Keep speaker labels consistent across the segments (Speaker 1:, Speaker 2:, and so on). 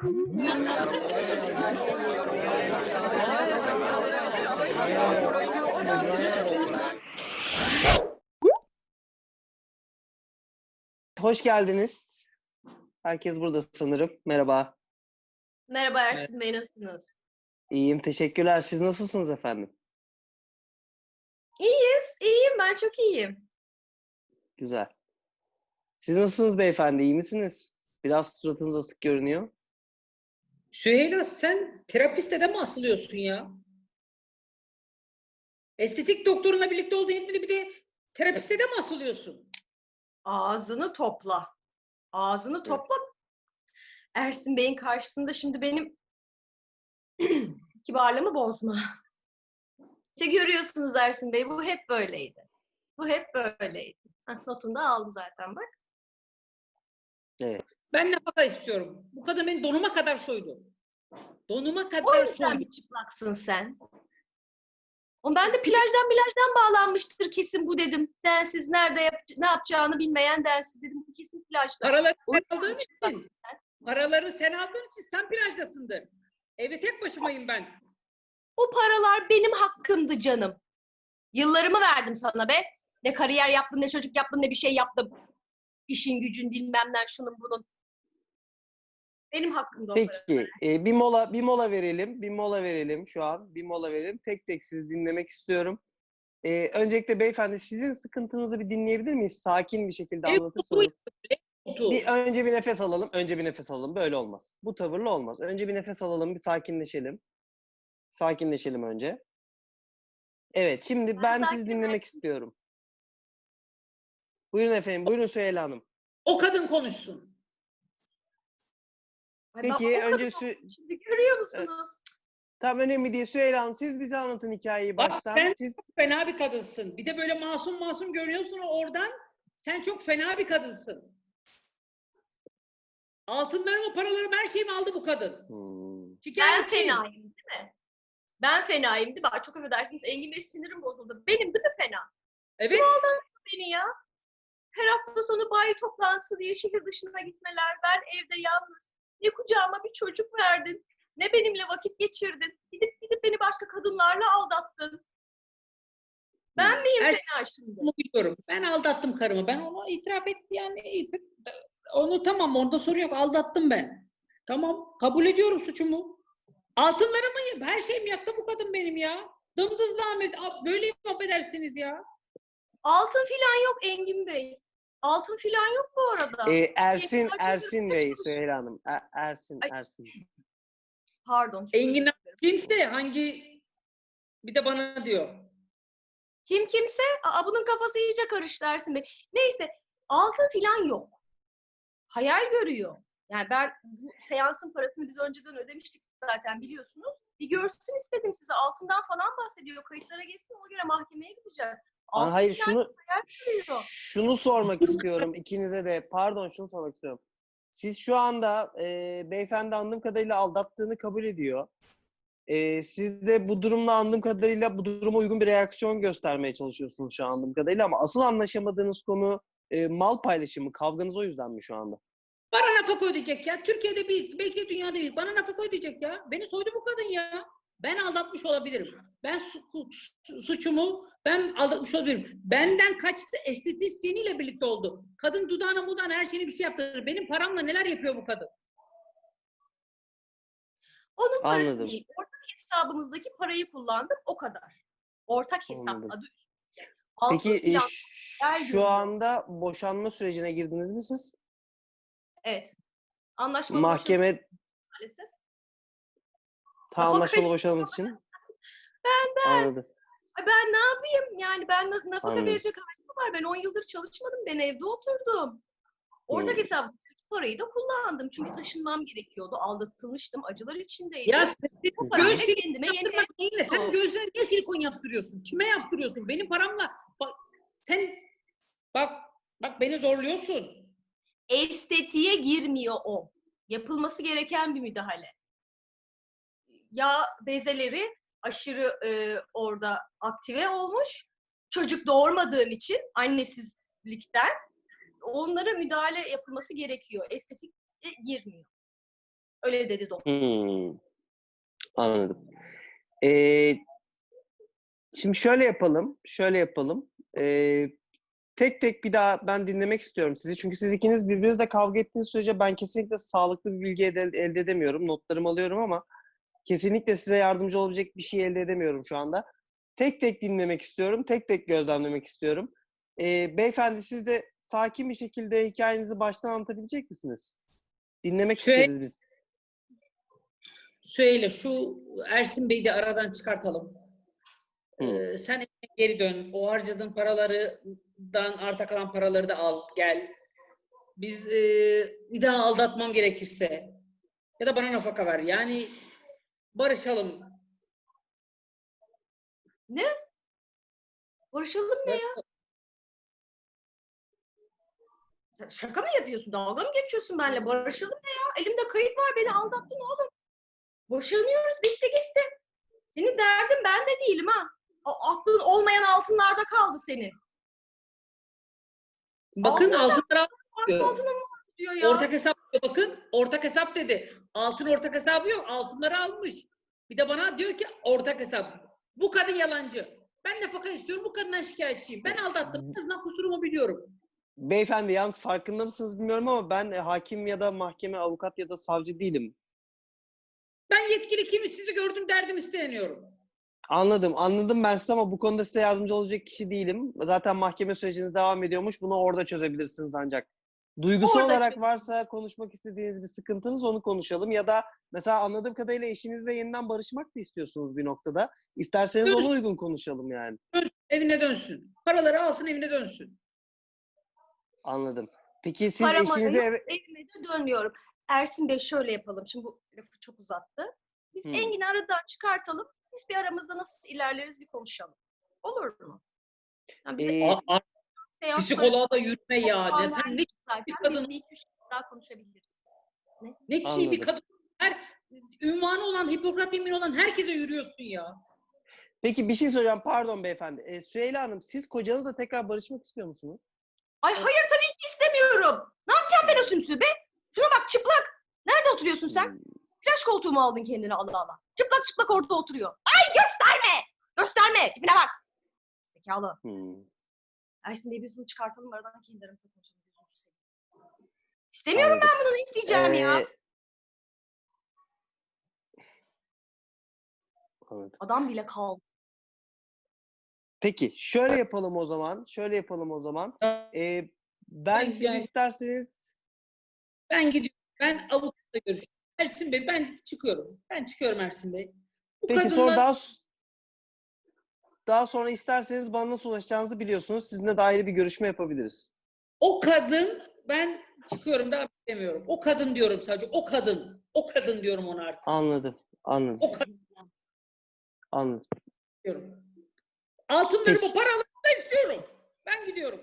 Speaker 1: Hoş geldiniz. Herkes burada sanırım. Merhaba.
Speaker 2: Merhaba
Speaker 3: Evet.
Speaker 2: Ersin Bey, nasılsınız?
Speaker 1: İyiyim, teşekkürler. Siz nasılsınız efendim?
Speaker 2: İyiyim, ben çok iyiyim.
Speaker 1: Güzel. Siz nasılsınız beyefendi? İyi misiniz? Biraz suratınız asık görünüyor.
Speaker 3: Süheyla, sen terapiste de mi asılıyorsun ya? Estetik doktorunla birlikte olduğu yetmedi, bir de terapiste de mi asılıyorsun?
Speaker 2: Ağzını topla. Ağzını topla. Ersin Bey'in karşısında şimdi benim kibarlığımı bozma. İşte görüyorsunuz Ersin Bey, bu hep böyleydi. Bu hep böyleydi. Notunu da aldı zaten bak.
Speaker 1: Evet.
Speaker 3: Ben nafaka istiyorum. Bu kadın beni donuma kadar soydu. Donuma
Speaker 2: O
Speaker 3: kadar
Speaker 2: yüzden
Speaker 3: soydu.
Speaker 2: mi çıplaksın sen? Ben de plajdan bağlanmıştır kesin bu dedim. Densiz ne yapacağını bilmeyen densiz dedim. Bu kesin plajda.
Speaker 3: Paraları
Speaker 2: O
Speaker 3: sen
Speaker 2: yüzden
Speaker 3: aldığın
Speaker 2: mi çıplaksın
Speaker 3: için.
Speaker 2: sen?
Speaker 3: Paraları sen aldığın için sen plajdasındır. Evde tek başımayım ben.
Speaker 2: O paralar benim hakkımdı canım. Yıllarımı verdim sana be. Ne kariyer yaptın, ne çocuk yaptın, ne bir şey yaptım. İşin gücün bilmem ne, şunun bunun. Benim hakkımda o paralar.
Speaker 1: Peki, bir mola verelim. Bir mola verelim şu an. Bir mola verelim. Tek tek sizi dinlemek istiyorum. Öncelikle beyefendi sizin sıkıntınızı bir dinleyebilir miyiz? Sakin bir şekilde
Speaker 3: Ev
Speaker 1: anlatırsanız.
Speaker 3: kutu.
Speaker 1: Önce bir nefes alalım. Önce bir nefes alalım. Böyle olmaz. Bu tavırla olmaz. Önce bir nefes alalım. Bir sakinleşelim. Sakinleşelim önce. Evet, şimdi ben sizi dinlemek istiyorum. Buyurun efendim. Buyurun Süheyla Hanım.
Speaker 3: O kadın konuşsun.
Speaker 2: Ay ben
Speaker 1: Peki
Speaker 2: o kadar
Speaker 1: önce
Speaker 2: şimdi görüyor musunuz?
Speaker 1: tam önemli değil. Süheyla Hanım siz bize anlatın hikayeyi
Speaker 3: Bak,
Speaker 1: baştan.
Speaker 3: sen
Speaker 1: Siz
Speaker 3: çok fena bir kadınsın. Bir de böyle masum masum görünüyorsun oradan. Sen çok fena bir kadınsın. Altınlarımı, paralarımı, her şeyimi aldı bu kadın.
Speaker 2: Ben
Speaker 3: Şikayetçiyim.
Speaker 2: fenayım değil mi? Ben fenayım değil mi? Ay, çok affedersiniz, Engin Bey sinirim bozuldu. Benim değil mi fena?
Speaker 3: Evet.
Speaker 2: Beni ya. Her hafta sonu bayi toplantısı diye şehir dışına gitmeler. Ben evde yalnız. Ne kucağıma bir çocuk verdin. Ne benimle vakit geçirdin. Gidip beni başka kadınlarla aldattın. Ben miyim
Speaker 3: Her
Speaker 2: fena şimdi?
Speaker 3: şeyi biliyorum. Ben aldattım karımı. Ben onu itiraf etti yani. Onu tamam, orada sorun yok. Aldattım ben. Tamam. Kabul ediyorum suçumu. Altınlarımı, her şeyimi yaktı bu kadın benim ya. Dımdız Ahmet. Böyle affedersiniz ya.
Speaker 2: Altın filan yok Engin Bey. Altın filan yok bu arada.
Speaker 1: Ersin Bey, Süheyla Hanım. Ersin.
Speaker 2: Pardon.
Speaker 3: Engin kimse hangi, bir de bana diyor.
Speaker 2: Kim kimse? Bunun kafası iyice karıştı Ersin Bey. Neyse, altın filan yok. Hayal görüyor. Yani ben bu seansın parasını biz önceden ödemiştik zaten biliyorsunuz. Bir görsün istedim size. Altından falan bahsediyor. Kayıtlara geçsin, ona göre mahkemeye gideceğiz. Altın
Speaker 1: Hayır
Speaker 2: filan hayal görüyor.
Speaker 1: şunu sormak istiyorum ikinize de. Pardon şunu sormak istiyorum. Siz şu anda beyefendi anladığım kadarıyla aldattığını kabul ediyor. Siz de bu durumla anladığım kadarıyla bu duruma uygun bir reaksiyon göstermeye çalışıyorsunuz şu an anladığım kadarıyla ama asıl anlaşamadığınız konu mal paylaşımı. Kavganız o yüzden mi şu anda?
Speaker 3: Bana nafaka ödeyecek ya. Türkiye'de bir, belki dünyada bir. Bana nafaka ödeyecek ya. Beni soydu bu kadın ya. Ben aldatmış olabilirim. Ben suçumu ben aldatmış olabilirim. Benden kaçtı, estetisyeniyle birlikte oldu. Kadın dudağına her şeyini bir şey yaptırır. Benim paramla neler yapıyor bu kadın?
Speaker 2: Onun parası
Speaker 1: Anladım.
Speaker 2: değil. Ortak hesabımızdaki parayı kullandık, o kadar. Ortak hesap
Speaker 1: Anladım.
Speaker 2: adı üstünde. Altın
Speaker 1: Peki
Speaker 2: filan hayal
Speaker 1: şu
Speaker 2: görüyor.
Speaker 1: anda boşanma sürecine girdiniz mi siz?
Speaker 2: Evet. Anlaşmalı
Speaker 1: Mahkeme
Speaker 2: maalesef.
Speaker 1: anlaşmalı
Speaker 2: Nafakayı-
Speaker 1: boşanmanız için?
Speaker 2: Benden.
Speaker 1: Anladım.
Speaker 2: Ay ben ne yapayım? Yani ben nafaka
Speaker 1: Anladım.
Speaker 2: verecek halim mi var? Ben 10 yıldır çalışmadım. Ben evde oturdum. Ortak hesabımdaki parayı da kullandım. Çünkü taşınmam gerekiyordu. Aldatılmıştım. Acılar içindeydim.
Speaker 3: Ya sen
Speaker 2: Bu parayla
Speaker 3: göz silikon
Speaker 2: kendime yeni
Speaker 3: yaptırmak değil de sen
Speaker 2: Yok.
Speaker 3: gözlerine niye silikon yaptırıyorsun? Kime yaptırıyorsun? Benim paramla. Bak sen, bak beni zorluyorsun.
Speaker 2: estetiğe girmiyor o. Yapılması gereken bir müdahale. Yağ bezeleri aşırı orada aktive olmuş. Çocuk doğurmadığın için annesizlikten onlara müdahale yapılması gerekiyor. Estetik girmiyor. Öyle dedi doktor.
Speaker 1: Anladım. Şimdi şöyle yapalım. Tek tek bir daha ben dinlemek istiyorum sizi. Çünkü siz ikiniz birbirinizle kavga ettiğiniz sürece ben kesinlikle sağlıklı bir bilgi elde edemiyorum. Notlarımı alıyorum ama kesinlikle size yardımcı olabilecek bir şey elde edemiyorum şu anda. Tek tek dinlemek istiyorum. Tek tek gözlemlemek istiyorum. Beyefendi siz de sakin bir şekilde hikayenizi baştan anlatabilecek misiniz? Dinlemek isteriz biz.
Speaker 3: Söyle şu Ersin Bey'i de aradan çıkartalım. Sen evine geri dön. O harcadığın paralardan arta kalan paraları da al gel. Biz bir daha aldatmam gerekirse ya da bana nafaka ver. Yani barışalım.
Speaker 2: Ne? Barışalım ne ya? Sen şaka mı yapıyorsun? Dalga mı geçiyorsun benimle? Barışalım ne ya? Elimde kayıt var. Beni aldattın oğlum. Boşanıyoruz. Bitti gitti. Senin derdin ben de değilim ha. O aklın olmayan altınlarda kaldı senin.
Speaker 3: Bakın altınlar
Speaker 2: Altına mı diyor ya?
Speaker 3: ortak hesap diyor, bakın ortak hesap dedi. Altın ortak hesabı yok. Altınları almış. Bir de bana diyor ki ortak hesap. Bu kadın yalancı. Ben nafaka istiyorum. Bu kadından şikayetçiyim. Ben aldattım. En azından kusurumu biliyorum.
Speaker 1: Beyefendi yalnız farkında mısınız bilmiyorum ama ben hakim ya da mahkeme, avukat ya da savcı değilim.
Speaker 3: Ben yetkili kimi sizi gördüm derdimi isteniyorum.
Speaker 1: Anladım ben size ama bu konuda size yardımcı olacak kişi değilim. Zaten mahkeme süreciniz devam ediyormuş. Bunu orada çözebilirsiniz ancak. Duygusal
Speaker 2: Orada
Speaker 1: olarak varsa konuşmak istediğiniz bir sıkıntınız onu konuşalım. Ya da mesela anladığım kadarıyla eşinizle yeniden barışmak da istiyorsunuz bir noktada. İsterseniz ona uygun konuşalım yani.
Speaker 3: Evine dönsün. Paraları alsın evine dönsün.
Speaker 1: Anladım. Peki siz
Speaker 2: Param
Speaker 1: eşinize
Speaker 2: yok, evime de dönmüyorum. Ersin Bey şöyle yapalım. Şimdi bu lafı çok uzattı. Biz Engin'i aradan çıkartalım. Biz bir aramızda nasıl ilerleriz bir konuşalım. Olur mu? Yani bize
Speaker 3: Psikoloğa da yürüme ya. Ne, sen ne bir kadın,
Speaker 2: biz bir iki üç daha konuşabiliriz.
Speaker 3: ne kişi bir kadın. Her ünvanı olan, Hipokrat yemini olan herkese yürüyorsun ya.
Speaker 1: Peki bir şey soracağım. Pardon beyefendi. Süheyla Hanım siz kocanızla tekrar barışmak istiyor musunuz?
Speaker 2: Ay hayır tabii ki istemiyorum. Ne yapacağım ben o sümsüğü be? Şuna bak çıplak. Nerede oturuyorsun sen? Plaj koltuğu mu aldın kendine Allah Allah? Çıplak çıplak orada oturuyor. Ay gösterme! Gösterme! Tipine bak. Zekalı. Ersin Bey biz bunu çıkartalım aradan kendi aramızda konuşalım. İstemiyorum
Speaker 1: Anladım.
Speaker 2: ben bunu, ne isteyeceğim ya?
Speaker 1: Anladım.
Speaker 2: Adam bile kaldı.
Speaker 1: Peki şöyle yapalım o zaman. Ben siz
Speaker 3: Yani-
Speaker 1: isterseniz
Speaker 3: Ben gidiyorum. Ben avukatla görüşüyorum. Ersin Bey ben çıkıyorum. Ben çıkıyorum Ersin Bey. Bu
Speaker 1: peki
Speaker 3: kadınla
Speaker 1: sonra daha sonra isterseniz bana nasıl ulaşacağınızı biliyorsunuz. Sizinle de ayrı bir görüşme yapabiliriz.
Speaker 3: o kadın ben çıkıyorum daha bilemiyorum. O kadın diyorum sadece. O kadın. O kadın diyorum ona artık.
Speaker 1: Anladım.
Speaker 3: O kadın
Speaker 1: Anladım.
Speaker 3: diyorum. Altınlarımı,
Speaker 1: Peki.
Speaker 3: paralarımı da istiyorum. Ben gidiyorum.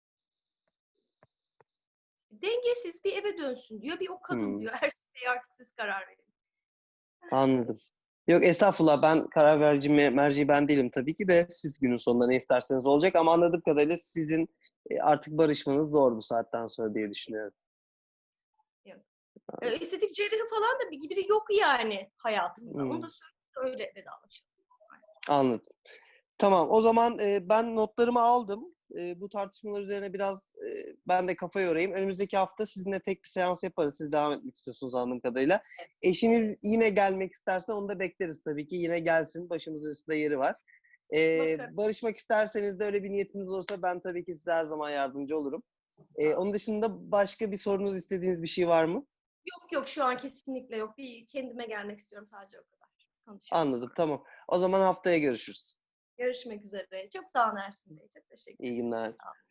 Speaker 2: Dengesiz bir eve dönsün diyor. Bir o kadın diyor. Ersin Bey artık siz karar verin.
Speaker 1: Anladım. Yok estağfurullah ben karar merci ben değilim tabii ki de siz günün sonunda ne isterseniz olacak ama anladığım kadarıyla sizin artık barışmanız zor bu saatten sonra diye düşünüyorum.
Speaker 2: Estetik cerrahı falan da biri yok yani hayatımda. Onu da öyle vedalaşalım.
Speaker 1: Anladım. Tamam o zaman ben notlarımı aldım. Bu tartışmalar üzerine biraz ben de kafa yorayım. Önümüzdeki hafta sizinle tek bir seans yaparız. Siz devam etmek istiyorsunuz anladığım kadarıyla. Eşiniz yine gelmek isterse onu da bekleriz tabii ki. Yine gelsin. Başımızın üstünde yeri var. Barışmak isterseniz de öyle bir niyetiniz olursa ben tabii ki size her zaman yardımcı olurum. Onun dışında başka bir sorunuz, istediğiniz bir şey var mı?
Speaker 2: Yok şu an kesinlikle yok. Bir kendime gelmek istiyorum sadece o kadar. Konuşalım.
Speaker 1: Anladım tamam. O zaman haftaya görüşürüz.
Speaker 2: Görüşmek üzere. Çok sağ olun Ersin Bey. Çok teşekkür ederim.
Speaker 1: İyi günler.
Speaker 2: Sağ olun.